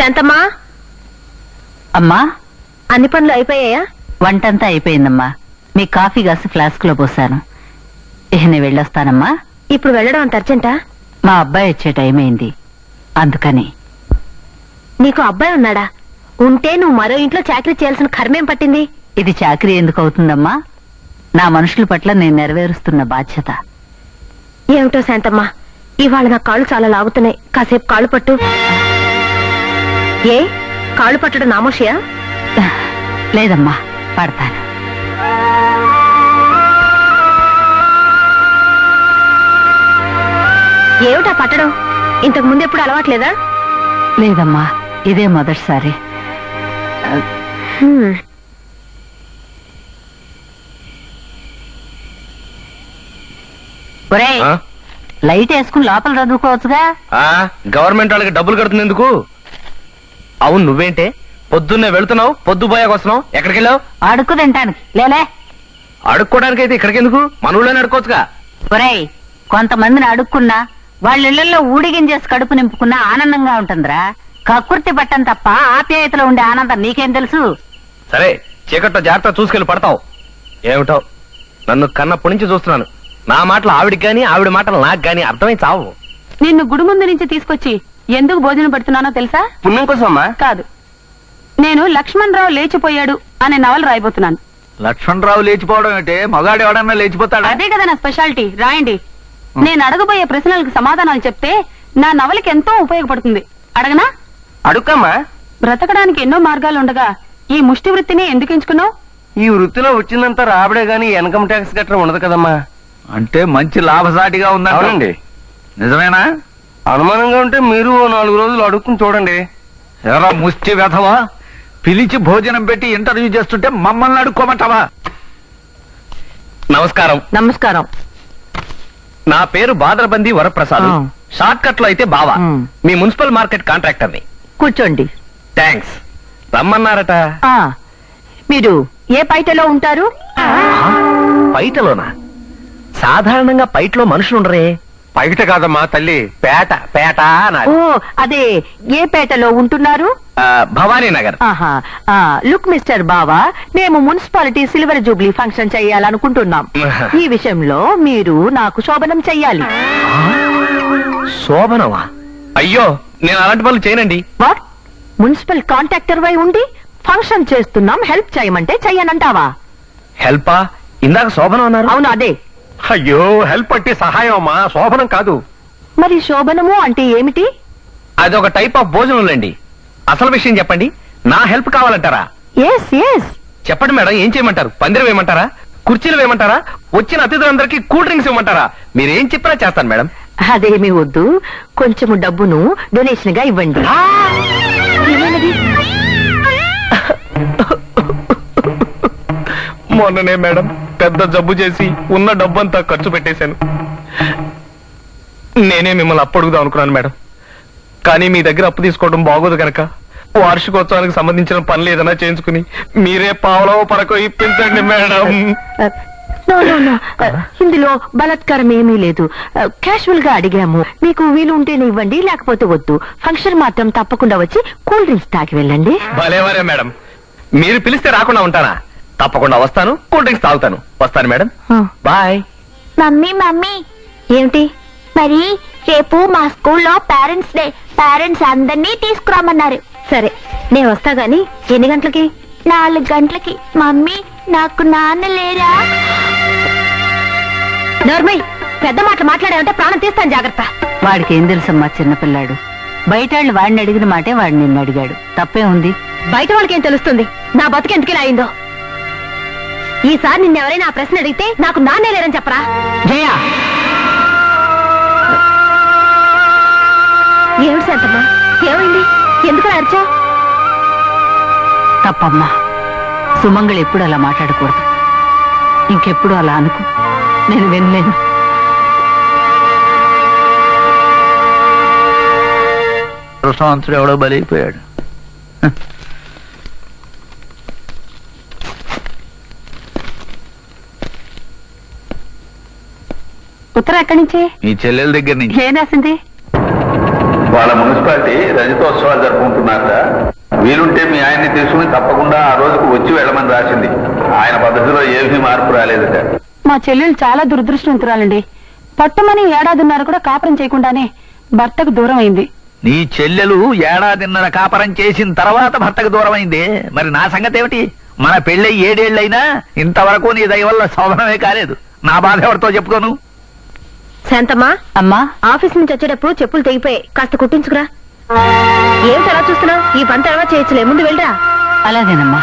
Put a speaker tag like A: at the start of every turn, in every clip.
A: శాంతమ్మా,
B: అమ్మా,
A: అన్ని పనులు అయిపోయాయా?
B: వంటంతా అయిపోయిందమ్మా. మీ కాఫీ గ్లాసు ఫ్లాస్క్ లో పోసాను. ఇక నేను వెళ్ళొస్తానమ్మా.
A: ఇప్పుడు వెళ్ళడం అంత అర్జెంటా?
B: మా అబ్బాయి వచ్చే టైం అయింది, అందుకని.
A: నీకు అబ్బాయి ఉన్నాడా? ఉంటే నువ్వు మరో ఇంట్లో చాకరీ చేయాల్సిన కర్మేం పట్టింది?
B: ఇది చాకరీ ఎందుకు అవుతుందమ్మా? నా మనుషుల పట్ల నేను నెరవేరుస్తున్న బాధ్యత.
A: ఏమిటో శాంతమ్మా, ఇవాళ నా కాళ్ళు చాలా లాగుతున్నాయి. కాసేపు కాళ్ళు పట్టు. ఏ కాళ్ళు పట్టడం నామోషియా?
B: లేదమ్మా, పడతాను.
A: ఏమిటా పట్టడం? ఇంతకు ముందు ఎప్పుడు అలవాట్లేదా?
B: లేదమ్మా, ఇదే మొదటిసారి. ఒరేయ్, లైట్ వేసుకుని లోపల చదువుకోవచ్చుగా.
C: గవర్నమెంట్ వాళ్ళకి డబ్బులు కడుతుంది ఎందుకు? అవును, నువ్వేంటే పొద్దున్నే వెళుతున్నావు, పొద్దుపోయాక వస్తున్నావు. ఎక్కడికి వెళ్ళావు?
B: అడుక్కు తింటానికి. లేలే,
C: అడుక్కోవడానికి అయితే ఇక్కడికి ఎందుకు? మన ఊళ్ళోనే అడుక్కోవచ్చుగా.
B: ఒరేయ్, కొంతమందిని అడుక్కున్నా వాళ్ళ ఇళ్లలో ఊడిగించేసి కడుపు నింపుకున్నా ఆనందంగా ఉంటుందిరా. కక్కుర్తి పట్టం తప్ప ఆప్యాయతలో ఉండే ఆనందం నీకేం తెలుసు?
C: సరే, చీకట్లో జాగ్రత్త చూసుకెళ్ళి పడతావు. ఏమిటో, నన్ను కన్నప్పటి నుంచి చూస్తున్నాను. నా మాటలు ఆవిడికి గాని, ఆవిడ మాటలు నాకు గాని అర్థమై చావు.
D: నిన్ను గుడి ముందు నుంచి తీసుకొచ్చి ఎందుకు భోజనం పెడుతున్నానో తెలుసా?
C: పుణ్యం కోసమ్మా?
D: కాదు, నేను లక్ష్మణ్ రావు లేచిపోయాడు అనే నవల రాయబోతున్నాను.
E: లక్ష్మణరావు లేచిపోవడం అంటే మగాడు ఎవడన్నా లేచిపోతాడా?
D: అదే కదా నా స్పెషాలిటీ. రాయండి. నేను అడగబోయే ప్రశ్నలకు సమాధానాలు చెప్తే నా నవలకి ఎంతో ఉపయోగపడుతుంది. అడగనా?
C: అడుక్కమ్మా.
D: బ్రతకడానికి ఎన్నో మార్గాలు ఉండగా ఈ ముష్టి వృత్తిని ఎందుకు ఎంచుకున్నావు?
C: ఈ వృత్తిలో వచ్చిందంతా రాబడే గాని ఇన్కమ్ ట్యాక్స్ గట్రా ఉండదు కదమ్మా.
E: అంటే మంచి లాభసాటిగా ఉందండి.
C: అవునండి.
E: నిజమేనా?
C: అనుమానంగా ఉంటే మీరు 4 రోజులు అడుక్కుని చూడండి.
E: ఎరా ముష్టి వెధవా, పిలిచి భోజనం పెట్టి ఇంటర్వ్యూ చేస్తుంటే మమ్మల్ని అడుక్కోమంటావా?
C: నమస్కారం.
B: నమస్కారం.
C: నా పేరు బాదరబంది వరప్రసాద్.
B: ఆ.
C: షార్ట్ కట్ లో అయితే బావా.
B: మ్.
C: మీ మున్సిపల్ మార్కెట్ కాంట్రాక్టర్ని.
B: కూర్చోండి.
C: థ్యాంక్స్. రమ్మన్నారట.
B: మీరు ఏ పైటలో ఉంటారు?
C: పైటలోనా? సాధారణంగా పైటలో మనుషులు ఉండరే. పైట కాదమ్మా తల్లి, పేట. పేట అనాలి.
B: ఓ, అదే, ఏ పేటలో ఉంటున్నారు?
C: భవానీ నగర్.
B: ఆహా. లుక్ మిస్టర్ బావా, మేము మున్సిపాలిటీ సిల్వర్ జూబ్లీ ఫంక్షన్ చెయ్యాలనుకుంటున్నాం. ఈ విషయంలో మీరు నాకు శోభనం చెయ్యాలి.
C: శోభనమా? అయ్యో, నేను అలాంటి పనులు చేయనండి.
B: వాట్? మున్సిపల్ కాంట్రాక్టర్ వై ఉండి ఫంక్షన్ చేస్తున్నాం, హెల్ప్ చేయమంటే చెయ్యనంటావా?
C: హెల్పా? ఇందాక శోభనం అన్నారు.
B: అవును, అదే.
C: అయ్యో, హెల్ప్ అంటే సహాయం అమ్మా, శోభనం కాదు.
B: మరి శోభనము అంటే ఏమిటి?
C: అది ఒక టైప్ ఆఫ్ భోజనంలేండి. అసలు విషయం చెప్పండి. నా హెల్ప్ కావాలంటారా?
B: Yes yes.
C: చెప్పండి మేడం, ఏం చేయమంటారు? పందిరం వేయమంటారా? కుర్చీలు వేయమంటారా? వచ్చిన అతిథులందరికీ కూల్ డ్రింక్స్ ఇవ్వమంటారా? మీరేం చెప్పినా చేస్తాను మేడం.
B: అదేమీ వద్దు, కొంచెము డబ్బును డొనేషన్ గా ఇవ్వండి. ఏమైనది?
C: మొన్ననే మేడం పెద్ద జబ్బు చేసి ఉన్న డబ్బంతా ఖర్చు పెట్టేశాను. నేనే మిమ్మల్ని అప్పడుగుదాం అనుకున్నాను మేడం. కానీ మీ దగ్గర అప్పు తీసుకోవడం బాగోదు గనక వార్షికోత్సవానికి సంబంధించిన పనులు ఏదైనా చేయించుకుని మీరే పావలో పరకో ఇప్పించండి మేడం.
B: నో నో నో, ఇందులో బలాత్కారం ఏమీ లేదు. క్యాషువల్ గా అడిగాము. మీకు వీలు ఉంటేనే ఇవ్వండి, లేకపోతే వద్దు. ఫంక్షన్ మాత్రం తప్పకుండా వచ్చి కూల్ డ్రింక్స్ తాగి వెళ్ళండి.
C: భలేవరే మేడం, మీరు పిలిస్తే రాకుండా ఉంటానా? తప్పకుండా వస్తాను, కూల్ డ్రింక్స్ తాగుతాను. వస్తాను మేడం, బాయ్.
A: మమ్మీ మమ్మీ,
B: ఏమిటి?
A: మరి రేపు మా స్కూల్లో పేరెంట్స్ డే. పేరెంట్స్ అందరినీ తీసుకురామన్నారు.
B: సరే, నేను వస్తా గాని ఎన్ని గంటలకి?
A: 4 గంటలకి. మమ్మీ, నాకు నాన్న లేరా?
B: నోర్మై, పెద్ద మాటలు మాట్లాడావంటే ప్రాణం తీస్తాను, జాగ్రత్త. వాడికి ఏం తెలుసమ్మా, చిన్నపిల్లాడు. బయట వాళ్ళు వాడిని అడిగిన మాటే వాడు నిన్ను అడిగాడు. తప్పే ఉంది. బయట వాళ్ళకి ఏం తెలుస్తుంది నా బతుకెందుకు అయిందో? ఈసారి నిన్నెవరైనా ఆ ప్రశ్న అడిగితే నాకు నాన్నే లేరని చెప్పరా? జయ, ఏమిటి శాంతమ్మా, ఏమైంది? ఎందుకు అరిచా? తప్పమ్మా, సుమంగళి ఎప్పుడు అలా మాట్లాడకూడదు. ఇంకెప్పుడు అలా అనుకో, నేను వినలేను.
E: కృష్ణవంతుడు ఎవడో బలైపోయాడు.
D: ఉత్తరం ఎక్కడి నుంచి?
E: మీ చెల్లెల దగ్గర నుంచి.
D: ఏం రాసింది?
F: వాళ్ళ మున్సిపాలిటీ రజతోత్సవాలు జరుపుకుంటున్నారట. వీలుంటే మీ ఆయన్ని తీసుకుని తప్పకుండా ఆ రోజుకు వచ్చి వెళ్ళమని రాసింది. ఆయన పద్ధతిలో ఏమీ మార్పు రాలేదట.
D: మా చెల్లెలు చాలా దురదృష్టవంతురాలండి. పట్టమని ఏడాదిన్నర కూడా కాపురం చేయకుండానే భర్తకు దూరం అయింది.
E: నీ చెల్లెలు ఏడాదిన్నర కాపరం చేసిన తర్వాత భర్తకు దూరమైంది. మరి నా సంగతి ఏమిటి? మన పెళ్ళై 7 ఏళ్ళైనా ఇంతవరకు నీ దయ వల్ల శోభనమే కాలేదు. నా బాధ ఎవరితో చెప్పుకోను?
B: శాంతమ్మా, అమ్మా, ఆఫీస్ నుంచి వచ్చేటప్పుడు చెప్పులు తెగిపోయి కాస్త కుట్టించుకురా. ఏమిటి అలా చూస్తున్నావు? ఈ పని తర్వాత చేయొచ్చులే, ముందు వెళ్ళరా. అలాగేనమ్మా.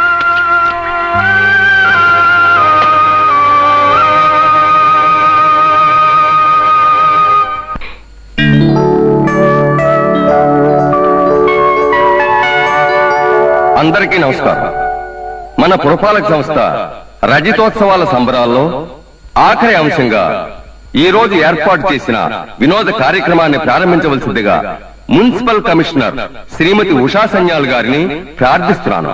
G: అందరికీ నమస్కారం. మన పురపాలక సంస్థ రజతోత్సవాల సంబరాల్లో ఆఖరి అంశంగా ఈ రోజు ఏర్పాటు చేసిన వినోద కార్యక్రమాన్ని ప్రారంభించవలసిందిగా మున్సిపల్ కమిషనర్ శ్రీమతి ఉషా సన్యాల్ గారిని ప్రార్థిస్తున్నాను.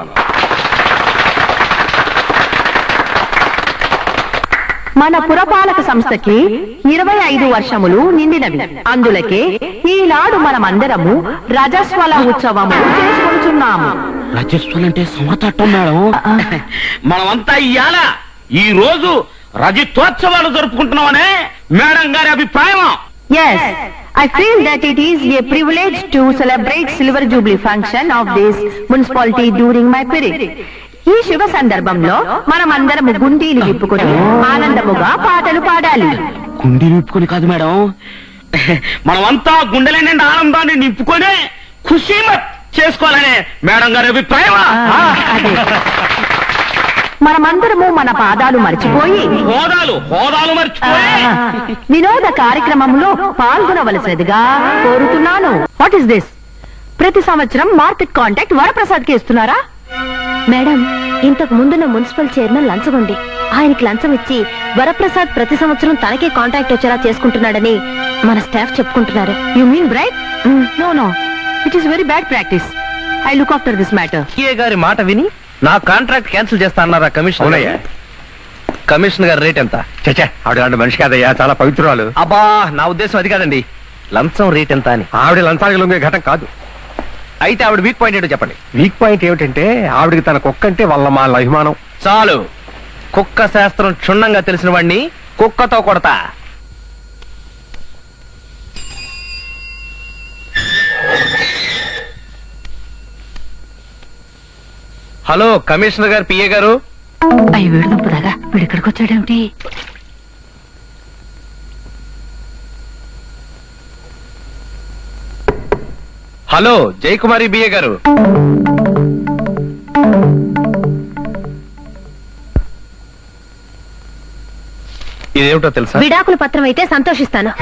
B: మన పురపాలక సంస్థకి 25 వర్షములు నిండినవి. అందులకే ఈనాడు మనమందరము రజస్వల ఉత్సవము చేసుకుంటున్నాము.
H: రజస్వలంటే సమతట్టం మేడం. మనమంతా ఇవాళ ఈ రోజు రజతోత్సవాలు జరుపుకుంటున్నామనే మేడం గారి అభిప్రాయం.
B: Yes, I feel that it is a privilege to celebrate Silver Jubilee function of this municipality during my period. ఈ శుభ సందర్భంలో మనమందరము గుండీలు విప్పుకొని ఆనందముగా పాటలు పాడాలి.
H: గుండె నింపుకొని కాదు మేడం, మనమంతా గుండెల నిండా ఆనందాన్ని నింపుకొని ఖుషీమత్ చేసుకోవాలనే మేడం గారి అభిప్రాయం.
B: అదే. మనమందరము మన పాదాలు మర్చిపోయి
H: హోదాలు మర్చిపోయి
B: వినోద కార్యక్రమంలో పాల్గొనవలసినదిగా కోరుతున్నాను. What is this? ప్రతి సంవత్సరం మార్కెట్ కాంటాక్ట్ వరప్రసాద్ కి ఇస్తున్నారా? మేడం, ఇంతకు ముందున్న మున్సిపల్ చైర్మన్ లంచగొండి. ఆయనకి లంచం ఇచ్చి వరప్రసాద్ ప్రతి సంవత్సరం తనకే కాంటాక్ట్ వచ్చేలా చేసుకుంటున్నాడని మన స్టాఫ్ చెప్పుకుంటున్నారు. You mean bright? No, it is very bad practice. I look after this matter.
C: ఏ గారి మాట విని నా కాంట్రాక్ట్ క్యాన్సిల్ చేస్తా అన్నారా కమిషనర్? కమిషనర్ గారి రేట్ ఎంత?
E: చచ్చా, ఆవిడ మనిషి కాదయ్యా, చాలా పవిత్రురాలు.
C: అబ్బా, నా ఉద్దేశం అది కాదండి. లంచం రేట్ ఎంత అని.
G: ఆవిడ లంచానికి లొంగే ఘటన కాదు.
C: అయితే ఆవిడ వీక్ పాయింట్ ఏంటో చెప్పండి.
G: వీక్ పాయింట్ ఏమిటంటే ఆవిడకి తన కుక్కంటే వాళ్ళ మా అభిమానం.
C: చాలు, కుక్క శాస్త్రం క్షుణ్ణంగా తెలిసిన వాడిని కుక్కతో కొడతా. హలో, కమిషనర్ గారు, పిఏ గారు.
B: అయ్యి వీడుదంపుదాగా వీడు ఇక్కడికి వచ్చాడేమిటి?
C: హలో, జయకుమారి బిఏ గారు. ఇదేమిటో తెలుసా?
B: విడాకుల పత్రం అయితే సంతోషిస్తాను.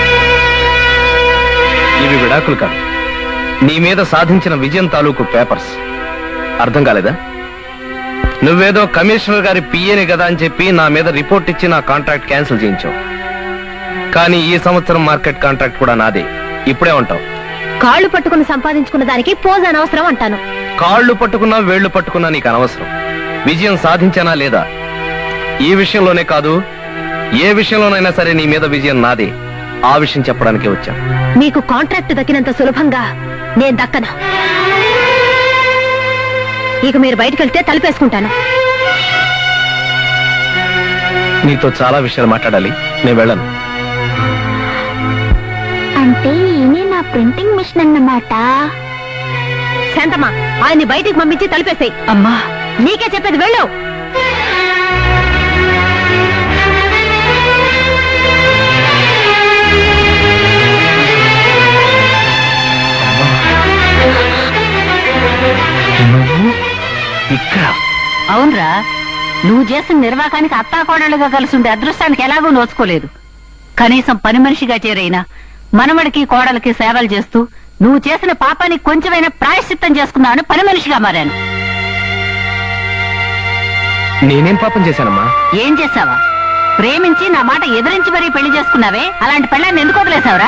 C: ఇవి విడాకులు కాదు, నీ మీద సాధించిన విజయం తాలూకు పేపర్స్. అర్థం కాలేదా? నువ్వేదో కమిషనర్ గారి పిఏని కదా అని చెప్పి నా మీద రిపోర్ట్ ఇచ్చి నా కాంట్రాక్ట్ క్యాన్సిల్ చేయించావు. కానీ ఈ సంవత్సరం మార్కెట్ కాంట్రాక్ట్ కూడా నాదే. ఇప్పుడే ఉంటావు.
B: కాళ్ళు పట్టుకుని సంపాదించుకున్న దానికి పోజ్ అనవసరం అంటాను.
C: కాళ్ళు పట్టుకున్నా వేళ్లు పట్టుకున్నా నీకు అనవసరం. విజయం సాధించానా లేదా ఈ విషయంలోనే కాదు, ఏ విషయంలోనైనా సరే నీ మీద విజయం నాదే. ఆ విషయం చెప్పడానికే వచ్చాను.
B: మీకు కాంట్రాక్ట్ దక్కినంత సులభంగా నేను దక్కను. ఇక మీరు బయటకు వెళ్తే తలుపేసుకుంటాను.
C: నీతో చాలా విషయాలు మాట్లాడాలి, నేను వెళ్ళను.
A: అంటే ఈయనే నా ప్రింటింగ్ మిషన్ అన్నమాట.
B: శాంతమ్మా, ఆయన్ని బయటికి పంపించి తలుపేసాయి. అమ్మా, నీకే చెప్పేది, వెళ్ళు.
E: ఇక్కడ
B: అవునరా, నువ్వు చేసిన నిర్వాకానికి అత్తాకోడలుగా కలిసి ఉండే అదృష్టానికి ఎలాగూ నోచుకోలేదు. కనీసం పని మనిషిగా చేరైనా మనవడికి కోడలకి సేవలు చేస్తూ నువ్వు చేసిన పాపానికి కొంచెమైనా ప్రాయశ్చిత్తం చేసుకున్నావని పని మనిషిగా మారాను.
C: నేనేం పాపం చేశానమ్మా?
B: ఏం చేశావా? ప్రేమించి నా మాట ఎదిరించి మరీ పెళ్లి చేసుకున్నావే, అలాంటి పెళ్ళాన్ని ఎందుకు వదిలేశావురా?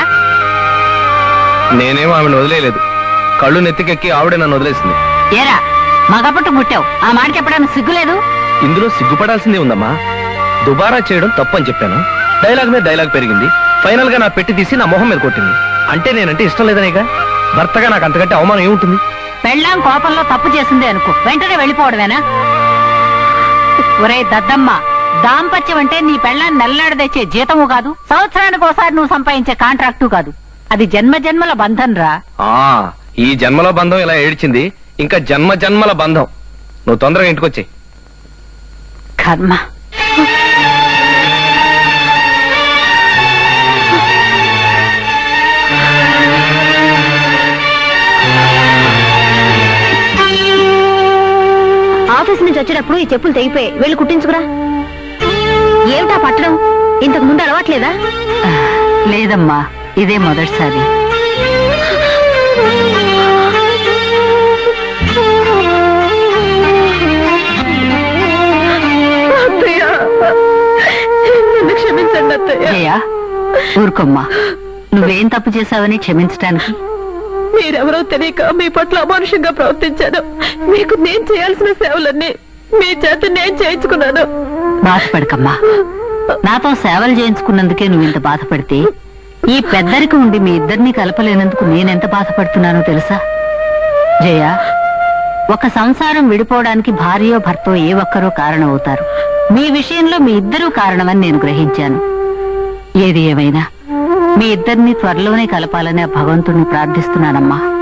C: నేనేం ఆమెను వదిలేయలేదు. కళ్ళు నెత్తికెక్కి ఆవిడే నన్ను వదిలేసింది.
B: ఏరా, మగపట్టు ముట్టావు, ఆ మాట చెప్పడానికి సిగ్గులేదు?
C: ఇందులో సిగ్గుపడాల్సిందే ఉందమ్మా. దుబారా చేయడం తప్పని చెప్పాను. డైలాగ్ మీద డైలాగ్ పెరిగింది. ఫైనల్ గా నా పెట్టి తీసి నా మొహం మీద కొట్టింది. అంటే నేనంటే ఇష్టం లేదనేగా. భర్తగా నాకు అంతకంటే అవమానం ఏముంటుంది?
B: పెళ్ళాం కోపంలో తప్పు చేసిందే అనుకో, వెంటనే వెళ్ళిపోవడమేనా? ఒరే దద్దమ్మ, దాంపత్యం అంటే నీ పెళ్ళాన్ని నెల్లాడ తెచ్చే జీతము కాదు, సంవత్సరానికి ఒకసారి నువ్వు సంపాదించే కాంట్రాక్టు కాదు. అది జన్మ జన్మల బంధం రా.
C: ఈ జన్మలో బంధం ఇలా ఏడ్చింది, ఇంకా జన్మ జన్మల బంధం. నువ్వు తొందరగా ఇంటికొచ్చేయ్.
B: కర్మ.
A: ఆఫీస్ నుంచి వచ్చేటప్పుడు ఈ చెప్పులు తెగిపోయి వెళ్ళి కుట్టించుకురా. ఏమిటా పట్టడం? ఇంతకు ముందు అలవాట్లేదా?
B: లేదమ్మా, ఇదే మొదటిసారి.
A: క్షమించండి అత్తయ్య.
B: జయ, ఊరుకోమ్మా. నువ్వేం తప్పు చేశావని క్షమించటానికి?
A: మీరెవరో తెలియక మీ పట్ల అమానుషంగా ప్రవర్తించాను. మీకు నేను చేయాల్సిన సేవలన్నీ మీ చేత నేను చేయించుకున్నాను.
B: బాధపడకమ్మా. నాతో సేవలు చేయించుకున్నందుకే నువ్వు ఇంత బాధపడితే, ఈ పెద్దరికి ఉండి మీ ఇద్దరిని కలపలేనందుకు నేనెంత బాధపడుతున్నానో తెలుసా? జయ, ఒక సంసారం విడిపోవడానికి భార్యో భర్తో ఏ ఒక్కరో కారణం అవుతారు. మీ విషయంలో మీ ఇద్దరూ కారణమని నేను గ్రహించాను. ఏది ఏమైనా మీ ఇద్దరిని త్వరలోనే కలపాలని ఆ భగవంతుణ్ణి ప్రార్థిస్తున్నానమ్మా.